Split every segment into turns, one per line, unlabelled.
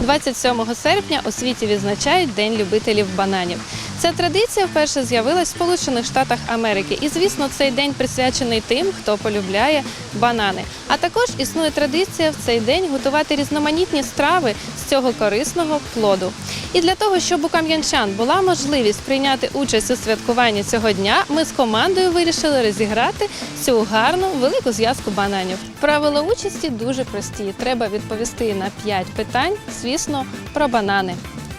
27 серпня у світі відзначають День любителів бананів. Ця традиція вперше з'явилась в Сполучених Штатах Америки. І, звісно, цей день присвячений тим, хто полюбляє банани. А також існує традиція в цей день готувати різноманітні страви з цього корисного плоду. І для того, щоб у кам'янчан була можливість прийняти участь у святкуванні цього дня, ми з командою вирішили розіграти цю гарну велику зв'язку бананів. Правила участі дуже прості. Треба відповісти на 5 питань, звісно, про банани.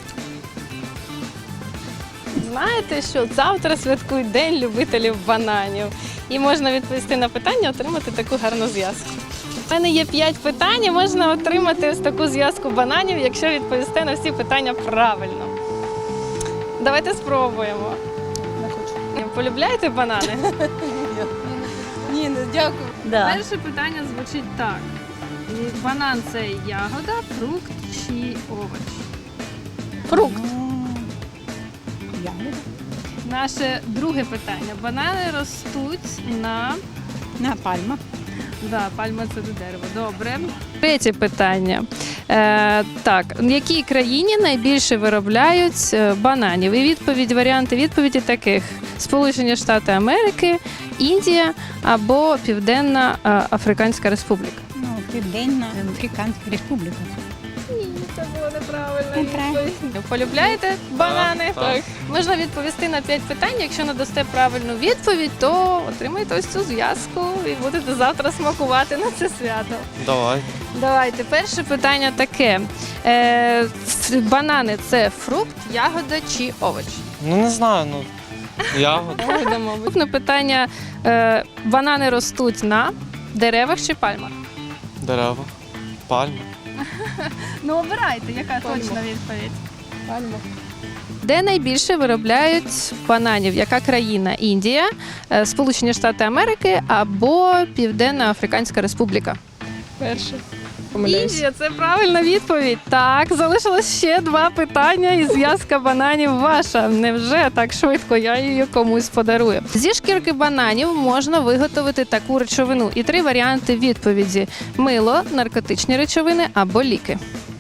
Знаєте, що завтра святкують День любителів бананів. І можна відповісти на питання, отримати таку гарну зв'язку. У мене є 5 питань, і можна отримати ось таку зв'язку бананів, якщо відповісти на всі питання правильно. Давайте спробуємо.
Не хочу.
Полюбляєте банани?
Ні, не дякую.
Да.
Перше питання звучить так. Банан – це ягода, фрукт чи овоч?
Фрукт.
Ягода.
Наше друге питання. Банани ростуть
На пальма.
Да, пальма – це дерево. Добре. Третє питання. Так, в якій країні найбільше виробляють бананів? І варіанти відповіді таких: Сполучені Штати Америки, Індія або Південна Африканська Республіка.
Ну, Південна Африканська Республіка.
Ні, це було неправильно.
Неправильно.
Полюбляєте банани?
Так.
Можна відповісти на 5 питань. Якщо надасте правильну відповідь, то отримаєте ось цю зв'язку і будете завтра смакувати на це свято.
Давай.
Давайте, перше питання таке. Банани – це фрукт, ягода чи овоч?
Ну не знаю, ягода.
Ягода, мабуть. Наступне питання. Банани ростуть на деревах чи пальмах?
Дерева. Пальма.
Ну, обирайте, яка
Пальма.
точна відповідь.
Пальма.
Де найбільше виробляють бананів? Яка країна? Індія, Сполучені Штати Америки або Південна Африканська Республіка?
Перше.
Індія – це правильна відповідь. Так, залишилось ще 2 питання і зв'язка бананів ваша. Невже так швидко я її комусь подарую? Зі шкірки бананів можна виготовити таку речовину. І 3 варіанти відповіді: мило, наркотичні речовини або ліки.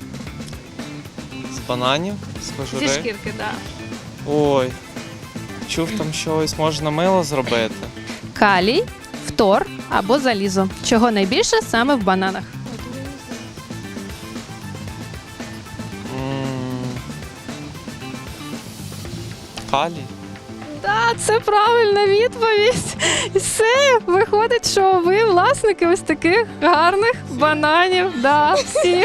З бананів, з
Зі
кожури.
шкірки, так.
Ой. Чув, там щось можна мило зробити.
Калій, фтор або залізо. Чого найбільше саме в бананах?
М, Калій.
Так, це правильна відповідь. І все, виходить, що ви власники ось таких гарних бананів. Да, всі.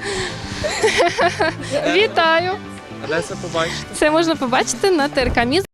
Вітаю!
А де це побачити?
Це можна побачити на ТРК «Міст».